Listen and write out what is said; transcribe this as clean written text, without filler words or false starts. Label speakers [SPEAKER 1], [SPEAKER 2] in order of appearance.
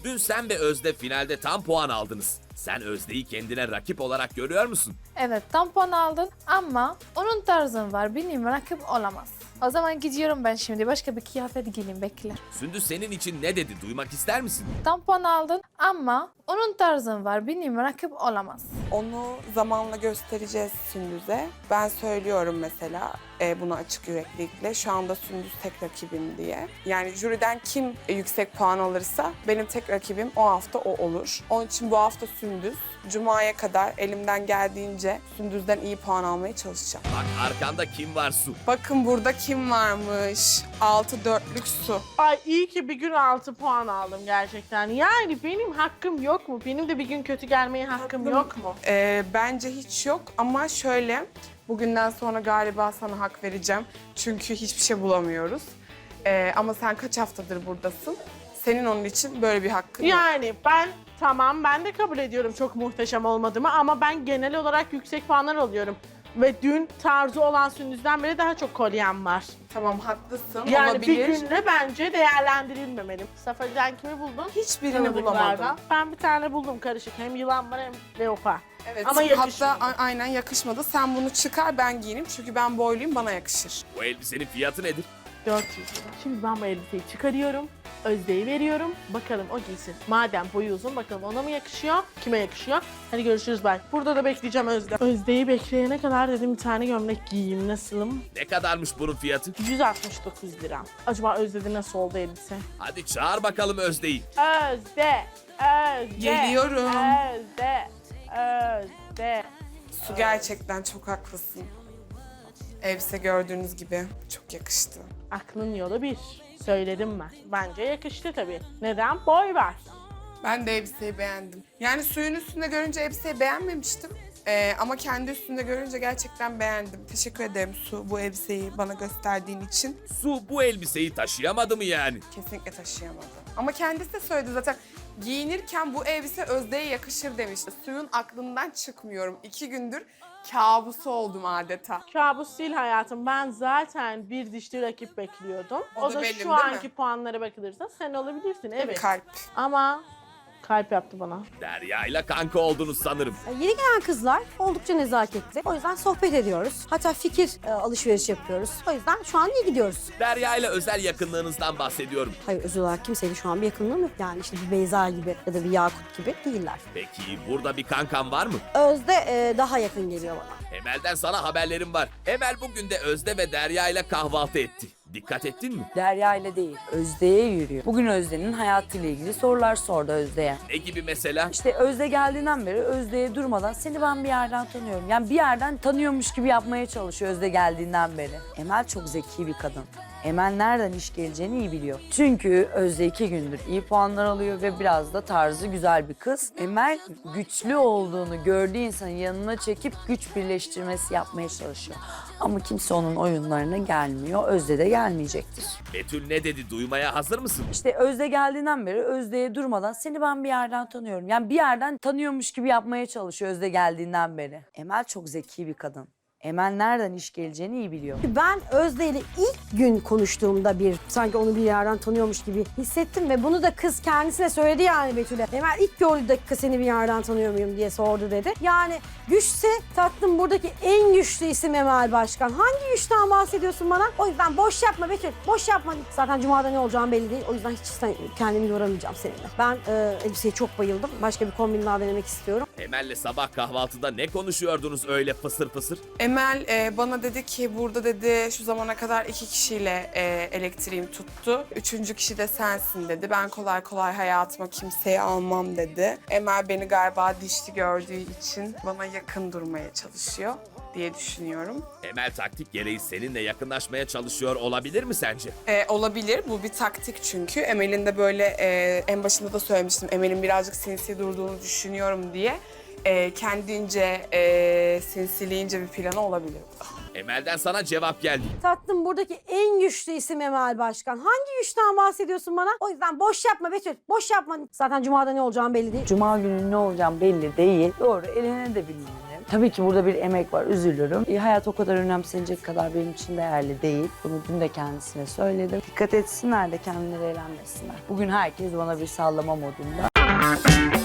[SPEAKER 1] Dün sen ve Özde finalde tam puan aldınız. Sen Özde'yi kendine rakip olarak görüyor musun?
[SPEAKER 2] Evet, tam puan aldın ama onun tarzın var. Benim rakip olamaz. O zaman gidiyorum ben şimdi. Başka bir kıyafet giyeyim, bekle.
[SPEAKER 1] Sündüz senin için ne dedi? Duymak ister misin?
[SPEAKER 2] Tam puan aldın ama onun tarzın var. Benim rakip olamaz.
[SPEAKER 3] Onu zamanla göstereceğiz Sündüz'e. Ben söylüyorum mesela bunu açık yüreklilikle. Şu anda Sündüz tek rakibim diye. Yani jüriden kim yüksek puan alırsa benim tek rakibim o hafta o olur. Onun için bu hafta Sündüz. Cuma'ya kadar elimden geldiğince Sündüz'den iyi puan almaya çalışacağım.
[SPEAKER 1] Bak arkanda kim var Su?
[SPEAKER 3] Bakın burada kim varmış? 6-4'lük Su.
[SPEAKER 4] Ay iyi ki bir gün 6 puan aldım gerçekten. Yani benim hakkım yok mu? Benim de bir gün kötü gelmeye hakkım yok mu?
[SPEAKER 3] Bence hiç yok ama şöyle, bugünden sonra galiba sana hak vereceğim. Çünkü hiçbir şey bulamıyoruz. Ama sen kaç haftadır buradasın? Senin onun için böyle bir hakkın yok.
[SPEAKER 4] Yani ben de kabul ediyorum çok muhteşem olmadığımı ama ben genel olarak yüksek puanlar alıyorum. Ve dün tarzı olan Sündüz'den beri daha çok kolyem var.
[SPEAKER 3] Tamam, haklısın,
[SPEAKER 4] Yani
[SPEAKER 3] olabilir.
[SPEAKER 4] bir günde bence değerlendirilmemeli. Safariden kimi buldun?
[SPEAKER 3] Hiçbirini
[SPEAKER 4] Tanıdıklardan.
[SPEAKER 3] bulamadım.
[SPEAKER 4] Ben bir tane buldum karışık. Hem yılan var hem leopar.
[SPEAKER 3] Evet,
[SPEAKER 4] Ama yakışmadı.
[SPEAKER 3] hatta aynen yakışmadı. Sen bunu çıkar, ben giyineyim çünkü ben boyluyum, bana yakışır.
[SPEAKER 1] Bu elbisenin fiyatı nedir?
[SPEAKER 4] 400 lira. Şimdi ben bu elbiseyi çıkarıyorum. Özde'yi veriyorum. Bakalım o giysin. Madem boyu uzun bakalım ona mı yakışıyor? Kime yakışıyor? Hadi görüşürüz bye. Burada da bekleyeceğim Özde. Özde'yi bekleyene kadar dedim bir tane gömlek giyeyim. Nasılım?
[SPEAKER 1] Ne kadarmış bunun fiyatı?
[SPEAKER 4] 169 lira. Acaba Özde'de nasıl oldu elbise?
[SPEAKER 1] Hadi çağır bakalım Özde'yi.
[SPEAKER 4] Özde! Özde!
[SPEAKER 3] Geliyorum.
[SPEAKER 4] Özde! Özde!
[SPEAKER 3] Su, gerçekten çok haklısın. Elbise gördüğünüz gibi çok yakıştı.
[SPEAKER 4] Aklın yolu bir. Söyledim ben. Bence yakıştı tabii. Neden? Boy var.
[SPEAKER 3] Ben de elbiseyi beğendim. Yani suyun üstünde görünce elbiseyi beğenmemiştim. Ama kendi üstünde görünce gerçekten beğendim. Teşekkür ederim Su, bu elbiseyi bana gösterdiğin için.
[SPEAKER 1] Su bu elbiseyi taşıyamadı mı yani?
[SPEAKER 3] Kesinlikle taşıyamadım. Ama kendisi de söyledi zaten. Giyinirken bu elbise Özde'ye yakışır demişti. Suyun aklından çıkmıyorum. 2 gündür kabusu oldum adeta.
[SPEAKER 4] Kabus değil hayatım. Ben zaten bir dişli rakip bekliyordum.
[SPEAKER 3] O
[SPEAKER 4] O
[SPEAKER 3] da
[SPEAKER 4] da
[SPEAKER 3] benim,
[SPEAKER 4] şu
[SPEAKER 3] değil mi?
[SPEAKER 4] anki puanlara bakılırsa sen olabilirsin. Evet.
[SPEAKER 3] Kalp.
[SPEAKER 4] Ama kalp yaptı bana.
[SPEAKER 1] Derya ile kanka oldunuz sanırım.
[SPEAKER 5] Yeni gelen kızlar oldukça nezaketli. O yüzden sohbet ediyoruz. Hatta fikir alışveriş yapıyoruz. O yüzden şu an iyi gidiyoruz.
[SPEAKER 1] Derya ile özel yakınlığınızdan bahsediyorum.
[SPEAKER 5] Hayır, özel olarak kimseyle şu an bir yakınlığım yok. Yani işte bir Beyza gibi ya da bir Yakut gibi değiller.
[SPEAKER 1] Peki burada bir kankan var mı?
[SPEAKER 5] Özde daha yakın geliyor bana.
[SPEAKER 1] Emel'den sana haberlerim var. Emel bugün de Özde ve Derya ile kahvaltı etti. Dikkat ettin mi?
[SPEAKER 6] Derya ile değil, Özde'ye yürüyor. Bugün Özde'nin hayatıyla ilgili sorular sordu Özde'ye.
[SPEAKER 1] Ne gibi mesela?
[SPEAKER 6] İşte Özde geldiğinden beri Özde'ye durmadan seni ben bir yerden tanıyorum. Yani bir yerden tanıyormuş gibi yapmaya çalışıyor Özde geldiğinden beri. Emel çok zeki bir kadın. Emel nereden iş geleceğini iyi biliyor. Çünkü Özde 2 gündür iyi puanlar alıyor ve biraz da tarzı güzel bir kız. Emel güçlü olduğunu gördüğü insanın yanına çekip güç birleştirmesi yapmaya çalışıyor. Ama kimse onun oyunlarına gelmiyor. Özde de gelmeyecektir.
[SPEAKER 1] Betül ne dedi? Duymaya hazır mısın?
[SPEAKER 6] İşte Özde geldiğinden beri Özde'ye durmadan seni ben bir yerden tanıyorum. Yani bir yerden tanıyormuş gibi yapmaya çalışıyor Özde geldiğinden beri. Emel çok zeki bir kadın. Emel nereden iş geleceğini iyi biliyor.
[SPEAKER 5] Ben Özde ile ilk gün konuştuğumda sanki onu bir yerden tanıyormuş gibi hissettim ve bunu da kız kendisine söyledi yani Betül'e. Emel ilk gördüğü dakika seni bir yerden tanıyor muyum diye sordu dedi. Yani güçse tatlım buradaki en güçlü isim Emel Başkan. Hangi güçten bahsediyorsun bana? O yüzden boş yapma Betül, boş yapma. Zaten Cuma'da ne olacağım belli değil. O yüzden hiç kendimi yoramayacağım seninle. Ben elbiseye çok bayıldım. Başka bir kombin daha denemek istiyorum.
[SPEAKER 1] Emel'le sabah kahvaltıda ne konuşuyordunuz öyle fısır fısır?
[SPEAKER 3] Emel bana dedi ki burada dedi şu zamana kadar 2 kişiyle elektriğim tuttu. 3. kişi de sensin dedi. Ben kolay kolay hayatıma kimseyi almam dedi. Emel beni galiba dişli gördüğü için bana yakın durmaya çalışıyor diye düşünüyorum.
[SPEAKER 1] Emel taktik gereği seninle yakınlaşmaya çalışıyor olabilir mi sence?
[SPEAKER 3] Olabilir. Bu bir taktik çünkü. Emel'in de böyle en başında da söylemiştim. Emel'in birazcık sinsi durduğunu düşünüyorum diye. Kendince sinsiliğince bir planı olabilir.
[SPEAKER 1] Emel'den sana cevap geldi.
[SPEAKER 5] Tatlım buradaki en güçlü isim Emel Başkan. Hangi güçten bahsediyorsun bana? O yüzden boş yapma Betül, boş yapma. Zaten Cuma'da ne olacağım belli değil.
[SPEAKER 6] Cuma günü ne olacağım belli değil. Doğru, eline de bilmiyorum. Tabii ki burada bir emek var, üzülürüm. Hayat o kadar önemsenecek kadar benim için değerli değil. Bunu dün de kendisine söyledim. Dikkat etsinler de kendileri eğlenmesinler. Bugün herkes bana bir sallama modunda.